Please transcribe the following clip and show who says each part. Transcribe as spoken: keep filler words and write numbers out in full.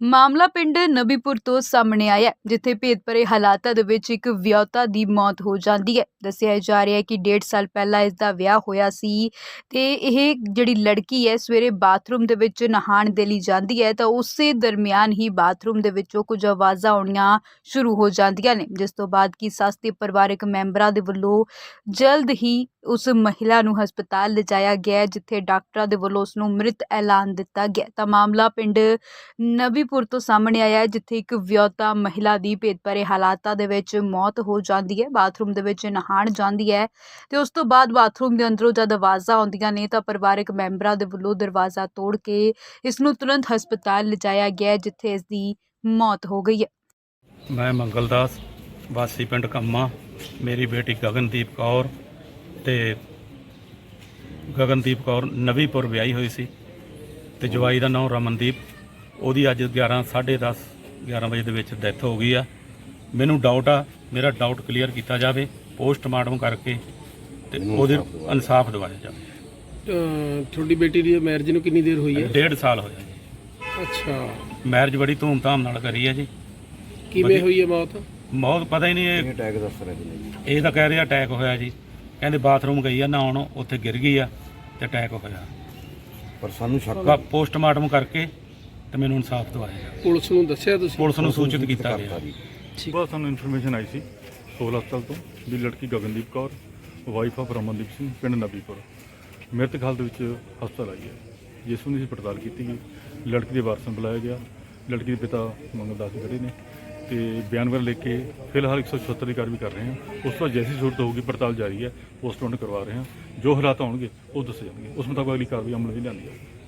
Speaker 1: ਮਾਮਲਾ ਪਿੰਡ ਨਬੀਪੁਰ ਤੋਂ ਸਾਹਮਣੇ ਆਇਆ ਹੈ, ਜਿੱਥੇ ਭੇਦ ਭਰੇ ਹਾਲਾਤਾਂ ਦੇ ਵਿੱਚ ਇੱਕ ਵਿਆਹੁਤਾ ਦੀ ਮੌਤ ਹੋ ਜਾਂਦੀ ਹੈ। ਦੱਸਿਆ ਜਾ ਰਿਹਾ ਹੈ ਕਿ ਡੇਢ ਸਾਲ ਪਹਿਲਾਂ ਇਸ ਦਾ ਵਿਆਹ ਹੋਇਆ ਸੀ ਤੇ ਇਹ ਜਿਹੜੀ ਲੜਕੀ ਹੈ ਸਵੇਰੇ ਬਾਥਰੂਮ ਦੇ ਵਿੱਚ ਨਹਾਉਣ ਦੇ ਲਈ ਜਾਂਦੀ ਹੈ ਤਾਂ ਉਸੇ ਦਰਮਿਆਨ ਹੀ ਬਾਥਰੂਮ ਦੇ ਵਿੱਚੋਂ ਕੁਝ ਆਵਾਜ਼ਾਂ ਆਉਣੀਆਂ ਸ਼ੁਰੂ ਹੋ ਜਾਂਦੀਆਂ ਨੇ, ਜਿਸ ਤੋਂ ਬਾਅਦ ਕਿ ਸੱਸ ਤੇ ਪਰਿਵਾਰਕ ਮੈਂਬਰਾਂ ਦੇ ਵੱਲੋਂ ਜਲਦ ਹੀ ਉਸ ਮਹਿਲਾ ਨੂੰ ਹਸਪਤਾਲ ਲਿਜਾਇਆ ਗਿਆ, ਜਿੱਥੇ ਡਾਕਟਰਾਂ ਦੇ ਵੱਲੋਂ ਉਸ ਨੂੰ ਮ੍ਰਿਤ ਐਲਾਨ ਦਿੱਤਾ ਗਿਆ। ਤਾਂ ਮਾਮਲਾ ਪਿੰਡ ਨਬੀਪੁਰ ਤੋਂ ਸਾਹਮਣੇ ਆਇਆ ਹੈ, ਜਿੱਥੇ ਇੱਕ ਵਿਆਹੁਤਾ ਮਹਿਲਾ ਦੀ ਭੇਦ ਭਰੇ ਹਾਲਾਤਾਂ ਦੇ ਵਿੱਚ ਮੌਤ ਹੋ ਜਾਂਦੀ ਹੈ। ਬਾਥਰੂਮ ਦੇ ਵਿੱਚ ਨਹਾਉਣ ਜਾਂਦੀ ਹੈ ਤੇ ਉਸ ਤੋਂ ਬਾਅਦ ਬਾਥਰੂਮ ਦੇ ਅੰਦਰੋਂ ਜਦ ਆਵਾਜ਼ਾਂ ਆਉਂਦੀਆਂ ਨੇ ਤਾਂ ਪਰਿਵਾਰਕ ਮੈਂਬਰਾਂ ਦੇ ਵੱਲੋਂ ਦਰਵਾਜ਼ਾ ਤੋੜ ਕੇ ਇਸ ਨੂੰ ਤੁਰੰਤ ਹਸਪਤਾਲ ਲਿਜਾਇਆ ਗਿਆ, ਜਿੱਥੇ ਇਸ ਦੀ ਮੌਤ ਹੋ ਗਈ ਹੈ।
Speaker 2: मैं मंगल दास वासी पिंड कम्मा, मेरी बेटी गगनदीप कौर ते गगनदीप कौर नवीपुर विआही हुई सी ते जवाई का नाम रमनदीप। ਉਹਦੀ ਅੱਜ ग्यारह साढ़े दस ग्यारह ਵਜੇ ਦੇ ਵਿੱਚ ਡੈਥ ਹੋ ਗਈ ਆ। ਮੈਨੂੰ ਡਾਊਟ ਆ, ਮੇਰਾ ਡਾਊਟ ਕਲੀਅਰ ਕੀਤਾ ਜਾਵੇ, ਪੋਸਟਮਾਰਟਮ ਕਰਕੇ ਤੇ ਉਹਦੇ ਇਨਸਾਫ ਦਿਵਾਇਆ ਜਾਵੇ।
Speaker 3: ਤੁਹਾਡੀ ਬੇਟੀ ਦੀ ਮੈਰਿਜ ਨੂੰ ਕਿੰਨੀ ਦੇਰ ਹੋਈ ਹੈ?
Speaker 2: ਡੇਢ ਸਾਲ ਹੋਇਆ ਜੀ।
Speaker 3: ਅੱਛਾ,
Speaker 2: ਮੈਰਿਜ ਬੜੀ ਧੂਮਧਾਮ ਨਾਲ ਕਰੀ ਹੈ ਜੀ।
Speaker 3: ਕਿਵੇਂ ਹੋਈ ਹੈ ਮੌਤ?
Speaker 2: ਮੌਤ ਪਤਾ ਹੀ ਨਹੀਂ, ਇਹ
Speaker 4: ਅਟੈਕ ਦੱਸ ਰਹੇ ਨੇ।
Speaker 2: ਇਹ ਤਾਂ ਕਹਿ ਰਿਹਾ ਅਟੈਕ ਹੋਇਆ ਜੀ। ਕਹਿੰਦੇ ਬਾਥਰੂਮ ਗਈ ਆ ਨਹਾਉਣ, ਉੱਥੇ ਗਿਰ ਗਈ ਆ ਤੇ ਅਟੈਕ ਹੋਇਆ।
Speaker 4: ਪਰ ਸਾਨੂੰ ਸ਼ੱਕ
Speaker 2: ਪੋਸਟਮਾਰਟਮ ਕਰਕੇ ਤੇ ਮੈਨੂੰ ਇਨਸਾਫ ਦਵਾਇਆ ਜਾਵੇ।
Speaker 3: ਪੁਲਿਸ ਨੂੰ ਦੱਸਿਆ ਤੁਸੀਂ?
Speaker 2: ਪੁਲਿਸ ਨੂੰ ਸੂਚਿਤ ਕੀਤਾ ਗਿਆ।
Speaker 5: ਸੁਬਾਹ ਸਾਨੂੰ ਇਨਫੋਰਮੇਸ਼ਨ ਆਈ ਸੀ ਸੋਲ ਹਸਪਤਾਲ ਤੋਂ ਵੀ ਲੜਕੀ ਗਗਨਦੀਪ ਕੌਰ ਵਾਈਫ ਆਫ ਰਮਨਦੀਪ ਸਿੰਘ ਪਿੰਡ ਨਬੀਪੁਰ ਮ੍ਰਿਤਕ ਹਾਲਤ ਵਿੱਚ ਹਸਪਤਾਲ ਆਈ ਹੈ, ਜਿਸ ਨੂੰ ਅਸੀਂ ਪੜਤਾਲ ਕੀਤੀ ਗਈ। ਲੜਕੀ ਦੇ ਵਾਰਸਾਂ ਨੂੰ ਬੁਲਾਇਆ ਗਿਆ। ਲੜਕੀ ਦੇ ਪਿਤਾ ਮੰਗਲ ਦਾਸ ਖੜੇ ਨੇ ਤੇ ਬਿਆਨ ਵਗੈਰਾ ਲਿਖ ਕੇ ਫਿਲਹਾਲ ਇੱਕ ਸੌ ਛਿਹੱਤਰ ਦੀ ਕਾਰਵਾਈ ਕਰ ਰਹੇ ਹਾਂ। ਉਸ ਤੋਂ ਬਾਅਦ ਜੈਸੀ ਜ਼ਰੂਰਤ ਹੋਊਗੀ ਪੜਤਾਲ ਜਾਰੀ ਹੈ, ਪੋਸਟਮਾਰਟਮ ਕਰਵਾ ਰਹੇ ਹਾਂ। ਜੋ ਹਾਲਾਤ ਆਉਣਗੇ ਉਹ ਦੱਸੇ ਜਾਣਗੇ, ਉਸ ਮੁਤਾਬਕ ਅਗਲੀ ਕਾਰਵਾਈ ਅਮਲ ਵਿੱਚ ਲਿਆਂਦੀ ਹੈ।